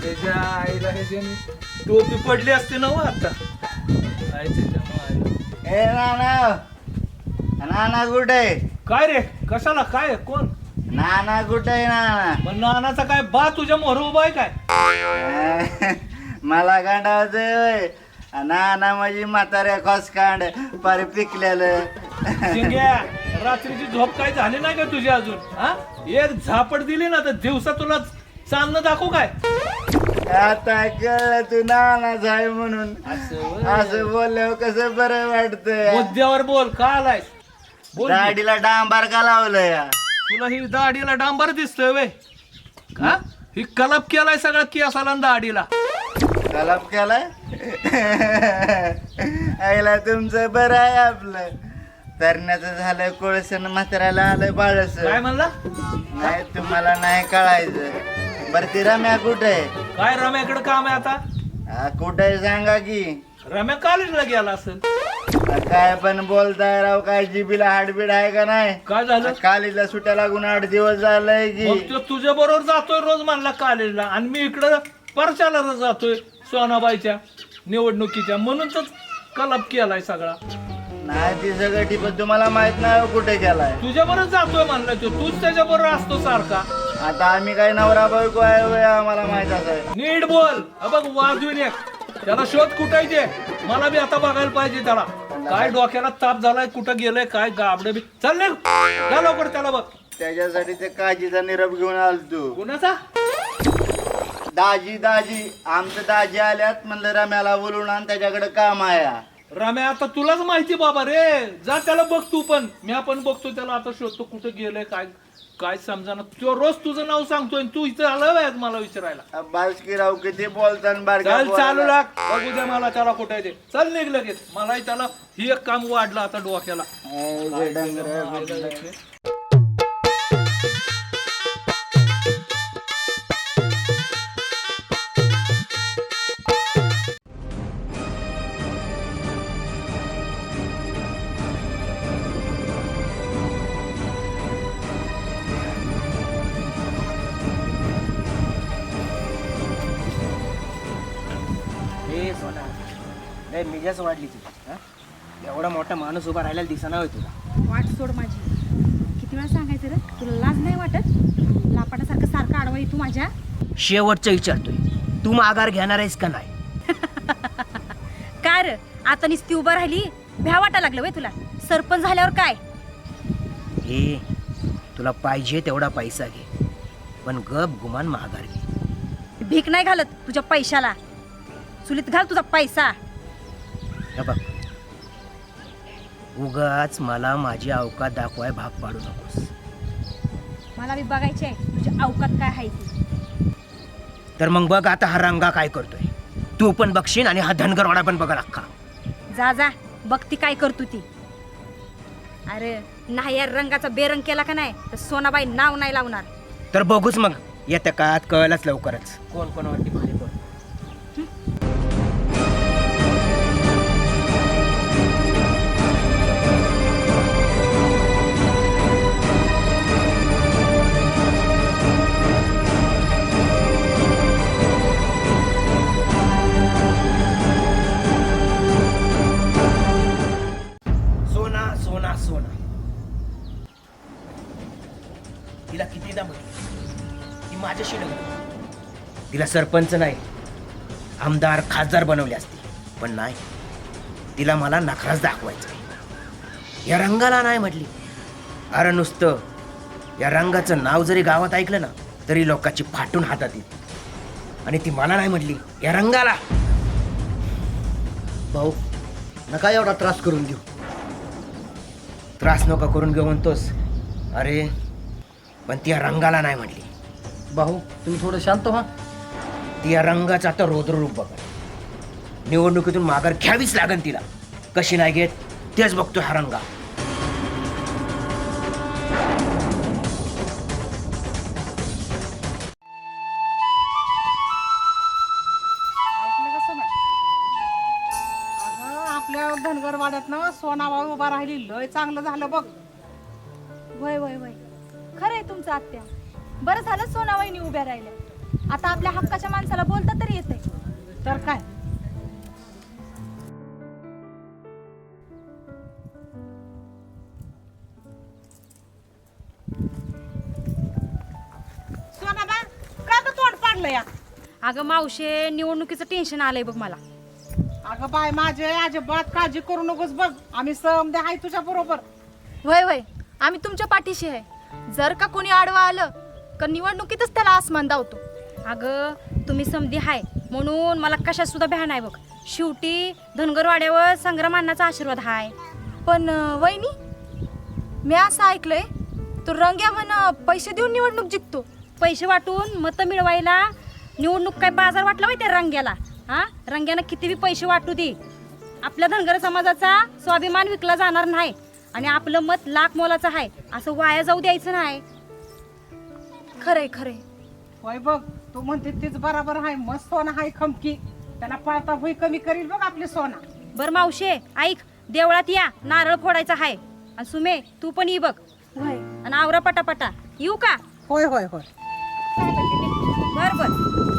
त्याच्या आईला ह्याच्याने टोपी पडली असते ना हो आता काय त्याच्यामुळे ए नाना नाना कुठे काय रे कशाला काय कोण नाना कुठे नाना मग नानाचा काय बा तुझ्या मोहर उभा आहे काय मला गांडावतोय नाना माझी म्हाताऱ्या कांड पार पिकलेलं शिंग्या रात्रीची झोप काय झाली नाही का तुझी अजून हा एक झापड दिली ना तर दिवसा तुला चालणं दाखवू काय आता कळलं तू नानाच आहे म्हणून असं बोलल्यावर कसं बरं वाटतंय मुद्द्यावर बोल का आलायस बोल की. दाढीला डांबार का लावलंय तुला ही दाढीला डांबर दिसतोय वे का ही कलप केलाय सगळा केसाला दाढीला कलाप केलाय आईला तुमचं बरं आहे आपलं तरण्याचं झालं कोळसन म्हाताऱ्याला आलं बाळस काय म्हणला नाही तुम्हाला नाही कळायचं बरं ती रम्या कुठे काय रम्याकडे काम आहे आता कुठे सांगा की रम्या कॉलेजला गेला असेल काय पण बोलताय राव काय जिबीला हाडबीड आहे का नाही काय झालं कालीला सुट्या लागून 8 दिवस झालंय मग की तो तुझ्या बरोबर जातोय रोज म्हणला कॉलेजला आणि मी इकडं परचाला जातोय सोनाबाईच्या निवडणुकीच्या म्हणून तर कलप केलाय सगळा नाही ती सगळं टिपत तुम्हाला माहित नाही हो कुठे गेलाय तुझ्या बरोबर जातोय म्हणलं तो तूच त्याच्या बरोबर असतो सारखा आता आम्ही काय नवरा बायको आहे होय, आम्हाला माहित आहे नीट बोल बघ वाजून एक त्याला शोध कुठायचे मला बी आता बघायला पाहिजे त्याला काय डोक्याला ताप झालाय कुठं गेलंय काय गाबडे बी चल निघ जा लवकर त्याला बघ त्याच्यासाठी ते काजीचा निरोप घेऊन आलतो कुणाचा दाजी दाजी आमचं दाजी आल्यात म्हणलं रम्याला बोलून आण त्याच्याकडे काम आहे रम्या आता तुलाच माहिती बाबा रे जा त्याला बघ तू पण मी पण बघतो त्याला आता शोधतो कुठं गेलंय काय काय समजा तो रोज तुझं नाव सांगतोय तू इथं आलं मला विचारायला बालकीराव किती बोलताना बारक्या चल चालू पोराला. लाग बघू द्या मला त्याला कुठे ते चल निघ लगेच मलाही त्याला ही एक काम वाढलं आता डोक्याला ए, जे डंगरं. हे सोना लय मिजाच वाढली तुझी हा? एवढा मोठा माणूस उभा राहिला दिसना होय तुला वाट सोड माझी किती वेळा सांगायचं रे तुला लाज नाही वाटत लापाटासारखं सारखं आडवा तू माझ्या शेवटचं विचारतोय तू माघार घेणार आहेस का नाही काय रे आता नुसती उभं राहिली भ्या वाटा लागलं वय तुला सरपंच झाल्यावर काय हे तुला पाहिजे तेवढा पैसा घे पण गप गुमान माघार घे भीक नाही घालत तुझ्या पैशाला चुलीत घाल तुझा पैसा हे बघ उगाच मला माझी अवकात दाखवाय भाग पाडू नकोस मला बी बघायची आहे तुझ्या अवकात काय आहे ती तर मग बघ आता हा रंगा काय करतोय तू पण बघशील आणि हा धनगरवाडा पण बघा अख्खा जा जा बघ ती काय करतो ती अरे नाही या रंगाचा बेरंग केला का नाही तर सोनाबाई नाव नाही लावणार तर बघूच मग येत्या काळात कळलंच लवकरच कोण कोण वाटते भारी कोण सोना सोना सोना तिला कितीदा म्हटलं ती माझ्याशी लग्न तिला सरपंच नाही आमदार खासदार बनवले असते पण नाही तिला मला नखराच दाखवायचा या रंगाला नाही म्हटली अरे नुसतं या रंगाचं नाव जरी गावात ऐकलं ना तरी लोकांची फाटून हातात येईल आणि ती मला नाही म्हटली या रंगाला भाऊ नका एवढा त्रास करून घेऊ त्रास नका करून घेऊ म्हणतोस अरे पण ती या रंगाला नाही म्हटली भाऊ तुम्ही थोडं शांत व्हा ती या रंगाचं आता रौद्ररूप बघा निवडणुकीतून माघार घ्यावीच लागेल तिला कशी नाही घेत तेच बघतो हा रंगा आपल्या धनगरवाड्यात ना सोनाबाई उभा राहिली लय चांगलं झालं बघ वय वय वय खरं आहे तुमचं आत्या बरं झालं सोनाबाईनी उभ्या राहिल्या आता आपल्या हक्काच्या माणसाला बोलता तरी येते. तर काय सोनाबा का तर तोंड पाडलं या. अगं मावशे, निवडणुकीचं टेन्शन आलंय बघ मला. अगं बाय माझे अजिबात काळजी करू नकोस बघ, आम्ही समदे आहे तुझ्या बरोबर. वय वय आम्ही तुमच्या पाठीशी आहे. जर का कोणी आडवा आलं का निवडणुकीतच त्याला आसमान धावतो. अगं तुम्ही समधी हाय म्हणून मला कशात सुद्धा भ्या नाही बघ. शेवटी धनगरवाड्यावर संग्राम अण्णाचा आशीर्वाद हाय. पण वहिनी, मी असं ऐकलंय तो रंग्या म्हण पैसे देऊन निवडणूक जिंकतो. पैसे वाटून मतं मिळवायला निवडणूक काय बाजार वाटला माहिती रंग्याला? हा, रंग्यानं किती बी पैसे वाटू दे, आपल्या धनगर समाजाचा स्वाभिमान विकला जाणार नाही आणि आपलं मत लाख मोलाचं आहे असं वाया जाऊ द्यायचं नाही. खरंय खरंय. होय बघ, तू म्हणते तीच बरोबर आहे. मस्त सोना हाय खमकी, त्याला पाळता भुई कमी करील बघ आपली सोना. बर मावशे ऐक, देवळात या, नारळ फोडायचा आहे. आणि सुमे तू पण ये बघ. वय आणि आवरा पटापटा. येऊ का? होय होय होय. बर बर.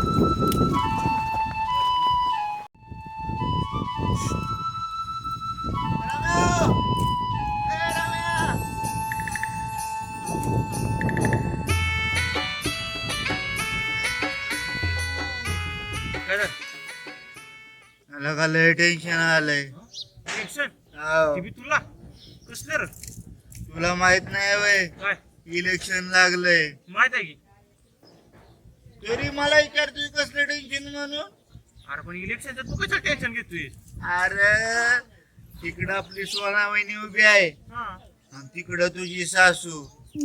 मला का लय टेन्शन आलंय. हाव. तुला कसलं रे? तुला माहित नाही वय, काय इलेक्शन लागलंय. माहित आहे की? तरी मला विचारतोय कसलं टेन्शन म्हणून. अरे पण इलेक्शनचं तू कसं टेन्शन घेतोय? अरे तिकडं आपली सोना वहिनी उभी आहे आणि तिकडं तुझी सासू.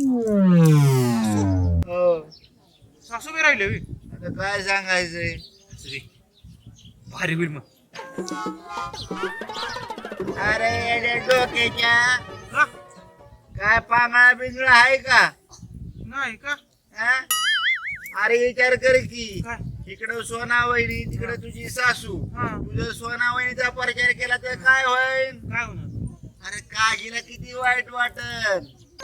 हो, सासू बी राहिले आता काय सांगायचंय. भारी होईल मग. अरे येड्या डोक्याच्या, हा? काय पांगळा बिंगळा आहे का? नाही का? हा? अरे विचार कर की, काय? इकडं सोना वहिनी तिकडं तुझी सासू. हा. तुझं सोना वहिनीचा प्रचार केला तर काय होईल? काय होणार? अरे काजीला किती वाईट वाटत.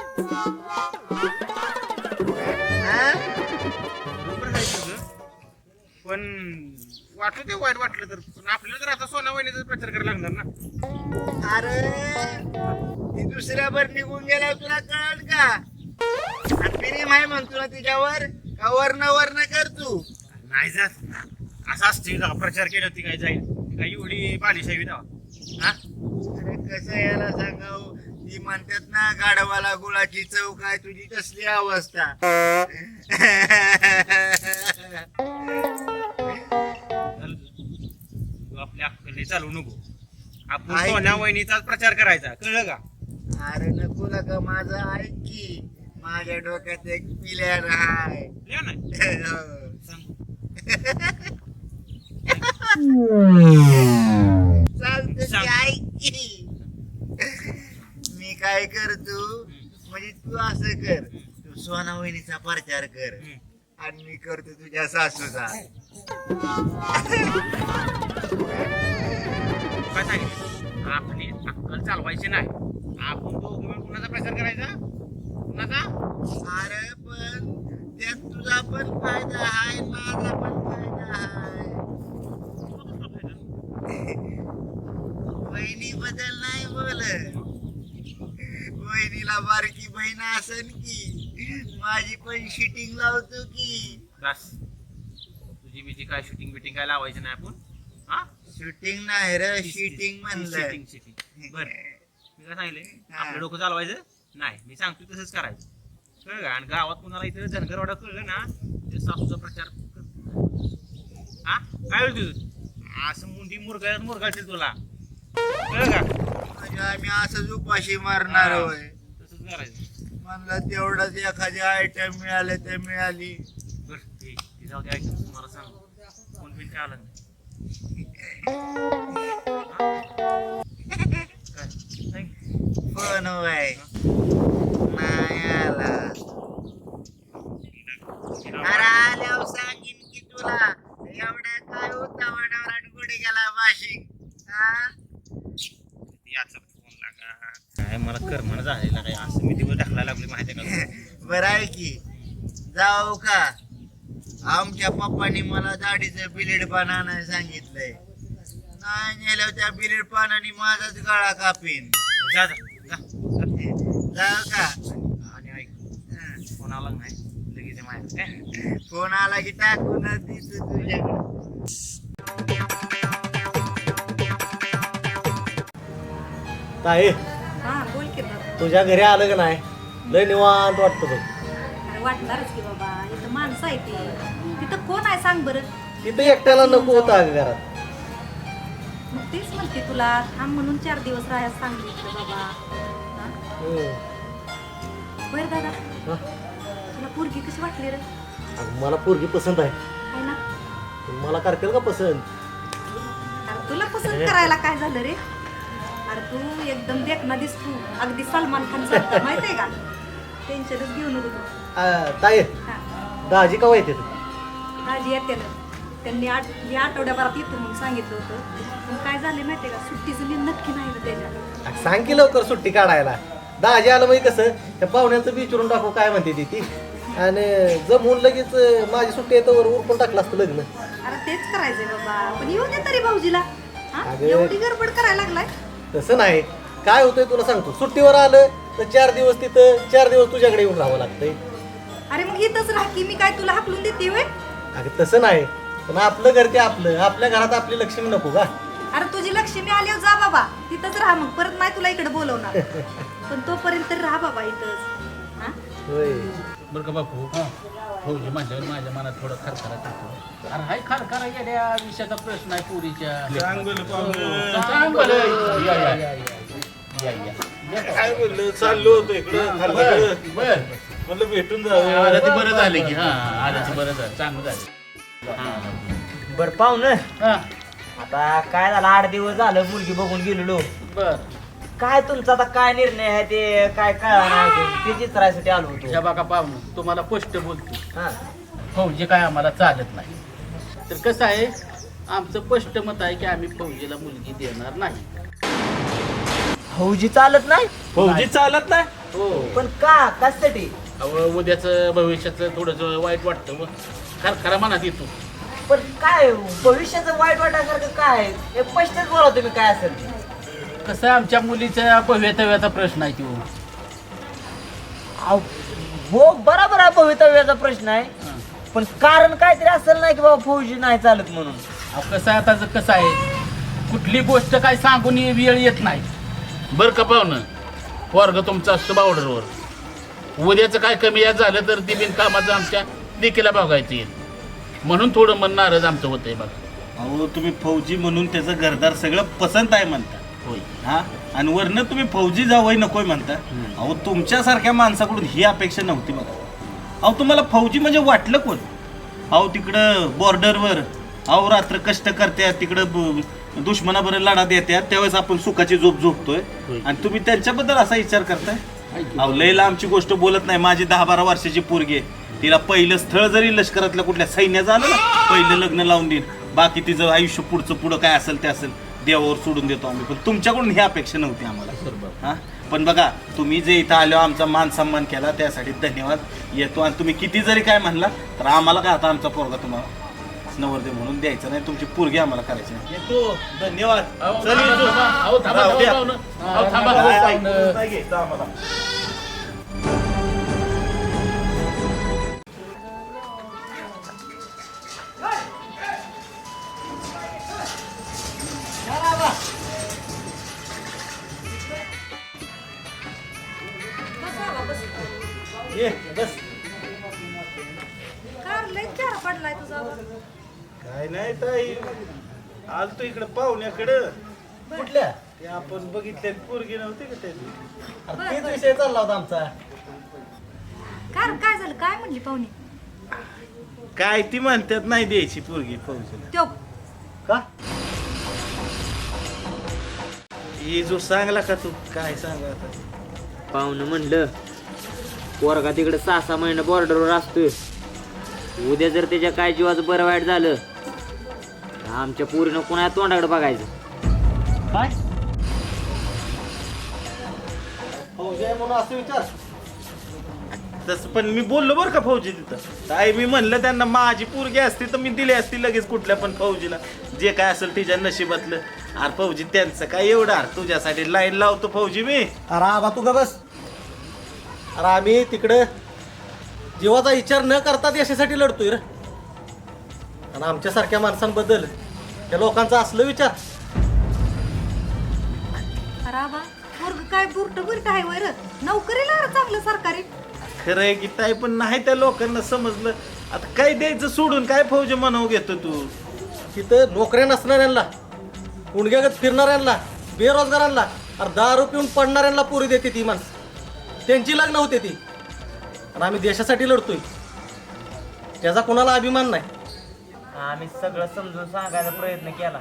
बरोबर आहे तुझं, पण वाटलं ते वाईट वाटलं तर पण आपल्याला तर आता सोना वहिनीचा प्रचार करायला लागणार ना. अरे ती दुसऱ्यावर निघून गेल्यावर तुला कळल का? प्रेम आहे म्हणतो ना तिच्यावर, का वर्ण वर्ण कर तू. नाही जात असं असते प्रचार केला ती काय जाईल, ती काय एवढी बालिशाही दावा. हा? अरे कसं याला सांगाव, ती म्हणतात ना गाढवाला गुळाची चव काय, तुझी कसली अवस्था. तू आपल्या अक्कली चालू नको. आपण ऐक. सोन्या वहिनीचाच प्रचार करायचा, कळलं का? अरे नको का माझं ऐक की, माझ्या डोक्यात एक प्लॅन आहे. लिहा नाही सांग. चालतं की, सांग. ऐक की. मी काय करतो, म्हणजे तू असं कर, तू सोना वहिनीचा प्रचार कर आणि मी करतो तुझ्या सासूचा. काय सांगितलं? आपली अक्कल चालवायची नाही. आपण तो कुणाचा प्रचार करायचा? कुणाचा? अरे पण त्यात तुझा पण फायदा आहे, माझा पण फायदा आहे. बहिणी बद्दल नाही बोलत. बहिणीला बारकी बहीण असन की, माझी पण शिटिंग लावतो की. बस तुझी बिजी काय शूटिंग बिटिंग काय लावायचं नाही आपण. हा? शूटिंग नाही रे, शिटिंग म्हणलं. Sitting sitting. बर मी काय सांगितलं, आपलं डोकं चालवायचं नाही. मी सांगतो तसंच करायचं, कळलं का? आणि गावात कुणाला इथं धनगरवाडा कळलं ना, ते सासूचा प्रचार कर. हा काय होईल तुझं? असं मुंडी मुरगाळतील तुला, कळलं का? म्हणजे आम्ही असंच उपाशी मारणार होय. तसंच करायचं. म्हणलं तेवढंच एखादी आयटम मिळाले ते मिळाली. बर ते जाऊ दे, ऐक मला सांग, फोन बिन काय आलं नाही? काय सांग. पण होय नाही आला. अरे आल्यावर सांगीन की तुला, एवढ्या काय होता वाडावर कुठे गेला वाशिंग. याचा फोन लागा काय मला करमण झालेला काय, असं मी दिवस ढकलायला लागले माहिती आहे का? बरं आहे की, जाऊ का? आमच्या पप्पानी मला दाढीचं बिलेड पान आणायला सांगितलंय. नाही नेल्यावर त्या बिलेड पानाने माझाच गळा कापीन. जा जा जा. जाऊ का? आणि ऐक, फोन आला नाही लगेच माझ्या. फोन आला की टाकूनच दिसतो तुझ्याकडे. ताई हा बोल की बाबा. तुझ्या घरी आलं का नाही लय निवांत वाटतं बघ. अरे वाटणारच की बाबा, इथं माणसं आहे ती. तिथं कोण आहे सांग बरं. तिथं एकट्याला नको होतं अगं घरात. मग तेच म्हणते तुला, थांब म्हणून 4 दिवस राहायला सांगितलं बाबा. हा? हम्म. बरं दादा, हा? तुला पोरगी कशी वाटली रे? अगं मला पोरगी पसंत आहे. आहे ना? मला करतील का पसंत? अरे तुला पसंत करायला काय झालं रे? अरे तू एकदम देखना दिसतो, अगदी सलमान खान सारखा, माहितीये का? टेन्शनच घेऊ नको तू. ताई हा, दाजी का येते काळजी येते ना. त्यांनी या आठवड्याभरात येतो म्हणून सांगितलं होतं. पण काय झालं माहितीये का, सुट्टीचं मी नक्की नाही ना त्याच्यात. सांग की लवकर सुट्टी काढायला. दाजी आलं म्हणजे कसं त्या पाहुण्याचं विचारून टाकू काय म्हणते ती आणि जमून लगेच माझी सुट्टी येतं वर उरकून टाकलं असतं लग्न. अरे तेच करायचंय बाबा, पण येऊ दे तरी भाऊजीला. हा? अगं. एवढी गडबड करायला लागलाय. तसं नाही, काय होतंय तुला सांगतो, सुट्टीवर आलं तर 4 दिवस तिथं 4 दिवस तुझ्याकडे येऊन राहावं लागतंय. अरे मग इथंच राह की, मी काय तुला हाकलून देते होय? अगं तसं नाही, पण आपलं घर ते आपलं, आपल्या घरात आपली लक्ष्मी नको का? अरे तुझी लक्ष्मी आल्यावर जा बाबा, तिथंच राहा, मग परत नाही तुला इकडे बोलवणार. पण तोपर्यंत राहा बाबा इथंच. हा? होय. बरं का बापू, फौजी म्हणल्यावर माझ्या मनात थोडं खरखरा येतो. अरे हाय खरखरा गेल्या विषयाचा प्रश्न आहे पुरीच्या. सांग बरं. या. काय बोललो चाललो होतो इकडं बर म्हणलं भेटून जावं. आलं ते बरं झालं की. हा आलं ते बरं झालं, चांगलं झालं. बरं पाहुणं, हा आता काय झालं, 8 दिवस झालं मुलगी बघून गेलेलो. बर. काय तुमचा आता काय निर्णय आहे ते काय ते चित्रासाठी आलो होतो. ह्या बघा पाहुणं, तुम्हाला स्पष्ट बोलतो, हा. फौजी काय आम्हाला चालत नाही. तर कसं आहे, आमचं स्पष्ट मत आहे की आम्ही फौजीला मुलगी देणार नाही. फौजी चालत नाही? फौजी चालत नाही. हो, पण का कशासाठी? उद्याचं भविष्याचं थोडस वाईट वाटतं, खरखरा मनात येतो. पण काय भविष्याचं वाईट वाटायसारखं काय? हे स्पष्टच बोला तुम्ही काय असेल ते. कसं आहे, आमच्या मुलीच्या भवितव्याचा प्रश्न आहे तो. अहो, हो बरोबर आहे, भवितव्याचा प्रश्न आहे. पण कारण काहीतरी असेल नाही की बाबा फौजी नाही चालत म्हणून. कसं आहे, आता कसं आहे, कुठली गोष्ट काय सांगून वेळ येत नाही. बरं का पाहुणं, वर्ग तुमचा असतो बावडरवर. उद्याचं काय कमी यात झालं तर ती बिनकामाचं आमच्या देखीला बघायचं येईल, म्हणून थोडं मन नाराज आमचं होतंय बघा. अहो तुम्ही फौजी म्हणून त्याचं घरदार सगळं पसंत आहे म्हणता. होय. हा, आणि वरनं तुम्ही फौजी जावई नकोय म्हणता. अहो तुमच्यासारख्या माणसाकडून ही अपेक्षा नव्हती बघा. अहो तुम्हाला फौजी म्हणजे वाटलं कोण? अहो तिकडं बॉर्डरवर अहो रात्र कष्ट करत्यात, तिकडं दुश्मनाबरोबर लढा देत्यात, त्यावेळेस आपण सुखाची झोप झोपतोय आणि तुम्ही त्यांच्याबद्दल असा विचार करताय. अहो लय लांबची गोष्ट बोलत नाही. माझी 10-12 वर्षाची पोरगी आहे, तिला पहिलं स्थळ जरी लष्करातल्या कुठल्या सैन्यात आलं ना, पहिलं लग्न लावून देईन. बाकी तिचं आयुष्य पुढं काय असेल ते असेल, देवावर सोडून देतो आम्ही. पण तुमच्याकडून ही अपेक्षा नव्हती आम्हाला. हा, पण बघा तुम्ही जे इथं आलो आमचा मान सन्मान केला त्यासाठी धन्यवाद. येतो, आणि तुम्ही किती जरी काय म्हणला तर आम्हाला काय आता आमचा पोरगा तुम्हाला नवरदेव म्हणून द्यायचा नाही, तुमची पोरगी आम्हाला करायची नाही. येतो, धन्यवाद. चल येतो. नाही घ्यायचं आम्हाला. ये बस. कार लय चेहरा पडलाय तुझा. काय नाही ताई, आलतो इकडे पाहुण्याकडं. कुठल्या? ते आपण बघितले पोरगी नव्हती का त्याची. अरे तेच विषय चालला होता आमचा. कार काय झालं, काय म्हणली पाहुणे? काय ती म्हणतात नाही द्यायची पोरगी फौजीला. त्यो का? ही जो सांगला का तू काय सांगा आता. पाहुणं म्हणलं पोरगा तिकडे 6-6 महिने बॉर्डरवर असतोय. उद्या जर त्याच्या काय जीवाचं बरं वाईट झालं तर आमच्या पोरीनं कोणा तोंडाकडे बघायचं. काय फौजी आहे म्हणून असं विचार? तसं पण मी बोललो बरं का फौजी तिथं. काय मी म्हणलं त्यांना माझी पोरगी असती तर मी दिली असती लगेच कुठल्या पण फौजीला, जे काय असेल तिच्या नशिबातलं. अरे फौजी त्यांचं काय एवढं, अरे तुझ्यासाठी लाईन लावतो फौजी मी. अरे आबा तू का बस. अरे आम्ही तिकडं जीवाचा विचार न करता देशासाठी लढतोय रे. आणि आमच्यासारख्या माणसांबद्दल त्या लोकांचा असलं विचार. राबा पोरग काय बुरट बुरट आहे वर नोकरीला चांगलं सरकारी. खरंय की ताई, पण नाही त्या लोकांना समजलं. आता काय द्यायचं सोडून काय फौजी म्हणावं घेतो तू. तिथं नोकऱ्या नसणाऱ्यांना, गुंडग्यागत फिरणाऱ्यांना, बेरोजगारांना, अरे दारू पिऊन पडणाऱ्यांना पोरी देते ती माणसं. त्यांची लग्न होते ती. आणि आम्ही देशासाठी लढतोय, त्याचा कोणाला अभिमान नाही. आम्ही सगळं समजून सांगायचा प्रयत्न केला,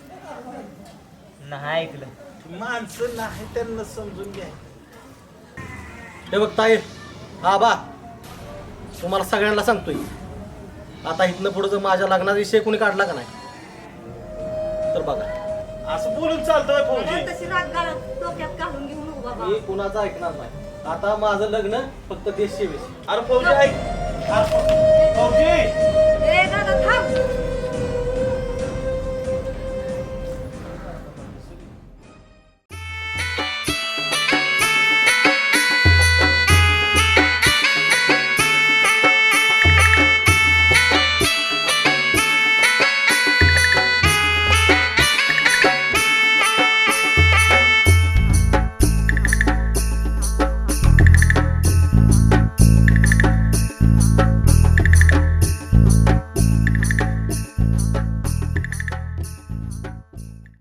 नाही ऐकलं. माणसं नाही त्यांना समजून घ्या. हे बघ ताई, आबा तुम्हाला सगळ्यांना सांगतोय, आता इथनं पुढं जर माझ्या लग्नाचा विषय कोणी काढला का नाही तर बघा. असं बोलून चालतोय फौजी. तशी राग डोक्यात घालून घेऊ नको बाबा. मी कुणाचं ऐकणार नाही. आता माझं लग्न फक्त देश सेवेशी. अरे फौजी ऐक. अरे फौजी ए दादा थांब.